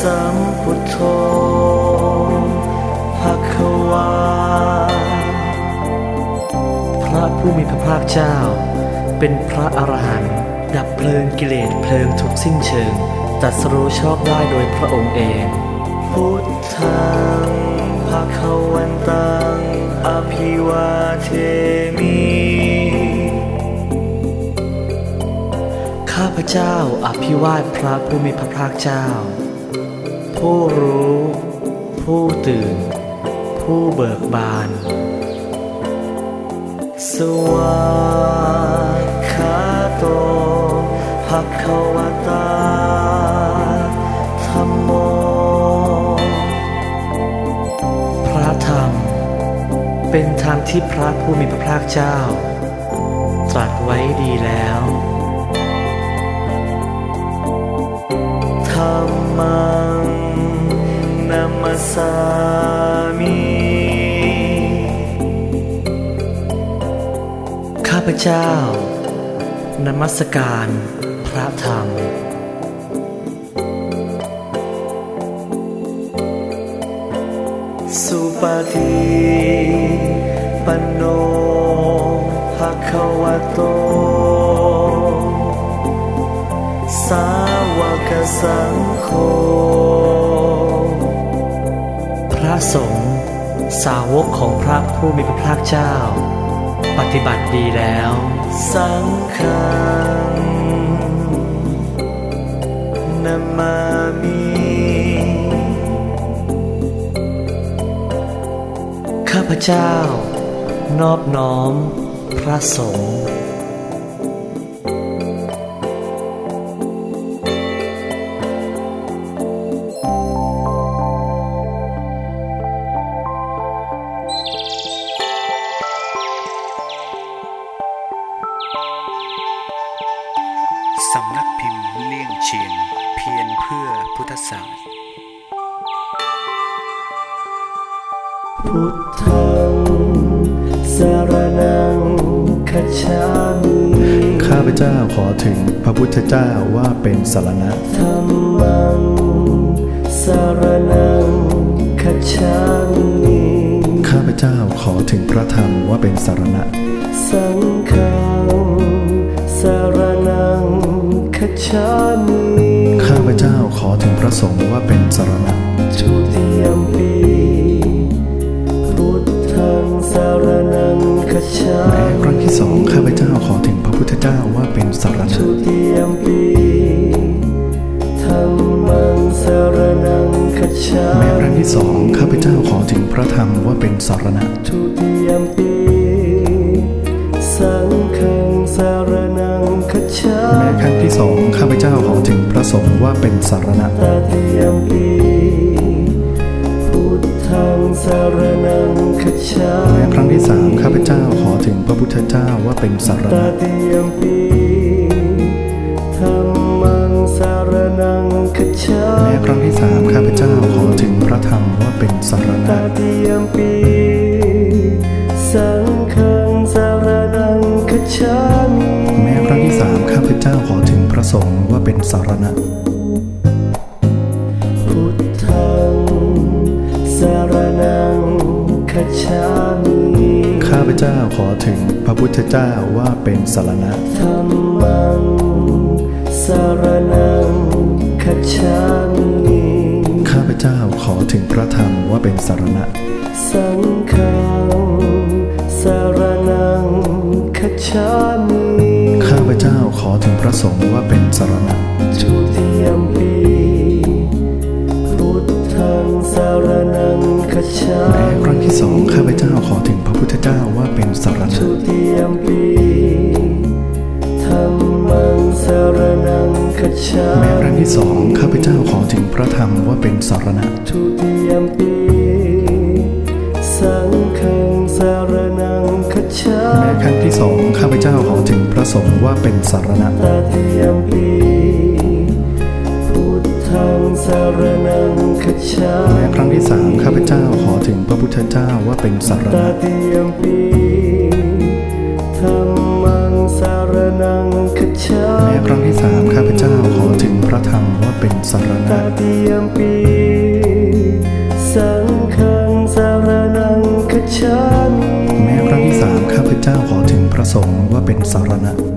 สัมพุทโธภควาพระผู้มีพระภาคเจ้าเป็นพระอรหันต์ดับเพลิงกิเลสเพลิงทุกสิ้นเชิงตรัสรู้ชอบได้โดยพระองค์เองพุทธังภวันตังอภิวาเทมิข้าพเจ้าอภิวาทพระผู้มีพระภาคเจ้าผู้รู้ผู้ตื่นผู้เบิกบานสวากขาโตภควตาธัมโมพระธรรมเป็นธรรมที่พระผู้มีพระภาคเจ้าตรัสไว้ดีแล้วธัมมังนัมมัสสามิข้าพเจ้านมัสการพระธรรมสุปฏิปันโนภควโตสาวกสังโฆพระสงฆ์สาวกของพระผู้มีพระภาคเจ้าปฏิบัติดีแล้วสังฆังนามามิข้าพเจ้านอบน้อมพระสงฆ์สำนักพิมพ์เลี่ยงเชียงเพียรเพื่อพุทธศาสตร์พุทธังสรณังคัจฉามิข้าพเจ้าขอถึงพระพุทธเจ้าว่าเป็นสรณะธัมมังสรณังคัจฉามิข้าพเจ้าขอถึงพระธรรมว่าเป็นสรณะสังฆังสรณังคัจฉามิข้าพเจ้าขอถึงพระสงฆ์ว่าเป็นสรณะทุติยมปีพุทธังสรณังคัจฉามิแม้ครั้งที่สองข้าพเจ้าขอถึงพระพุทธเจ้าว่าเป็นสรณะทุติยมปีธัมมังสรณังคัจฉามิแม้ครั้งที่สองข้าพเจ้าขอถึงพระธรรมว่าเป็นสรณะทุติยมปีสังฆังสรณังคัจฉามิแม้ครั้งที่สองข้าพเจ้าขอถึงพระสงฆ์ว่าเป็นสรณะตติยมปีพุทธังสรณังคัจฉามิแม้ครั้งที่สามข้าพเจ้าขอถึงพระพุทธเจ้าว่าเป็นสรตณะติยมปีธัมมังสรณังคัจฉามิแม้ครั้งที่สามข้าพเจ้าขอถึงพระธรรมว่าเป็นสรตณะติยมปีสังฆังสรณังคัจฉามิแม้ครั้งที่สามข้าพเจ้าขอถึงพระสงฆ์ว่าเป็นสรณะพุทธังสรณังคัจฉามิข้าพเจ้าขอถึงพระพุทธเจ้าว่าเป็นสรณะธัมมังสรณังคัจฉามิข้าพเจ้าขอถึงพระธรรมว่าเป็นสรณะสังฆังสรณังคัจฉามิข้าพเจ้าขอถึงพระสงฆ์ว่าเป็นสรณะทุติยมปีพุทธังสรณังคัจฉามิแม้ครั้งที่สองข้าพเจ้าขอถึงพระพุทธเจ้าว่าเป็นสรณะทุติยมปีธัมมังสรณังคัจฉามิแม้ครั้งที่สองข้าพเจ้าขอถึงพระธรรมว่าเป็นสรณะทุติยมปีสังฆังสรณังคัจฉามิแม้ครั้งที่สองข้าพเจ้าขอถึงพระสงฆ์ว่าเป็นสรณะตติยมปีพุทธังสรณังคัจฉามิแม้ครั้งที่สามข้าพเจ้าขอถึงพระพุทธเจ้าว่าเป็นสรตณะติยมปีธัมมังสรณังคัจฉามิแม้ครั้งที่สามข้าพเจ้าขอถึงพระธรรมว่าเป็นสรตณะติยมปี 3ข้าพเจ้าขอถึงพระสงฆ์ว่าเป็นสารณะ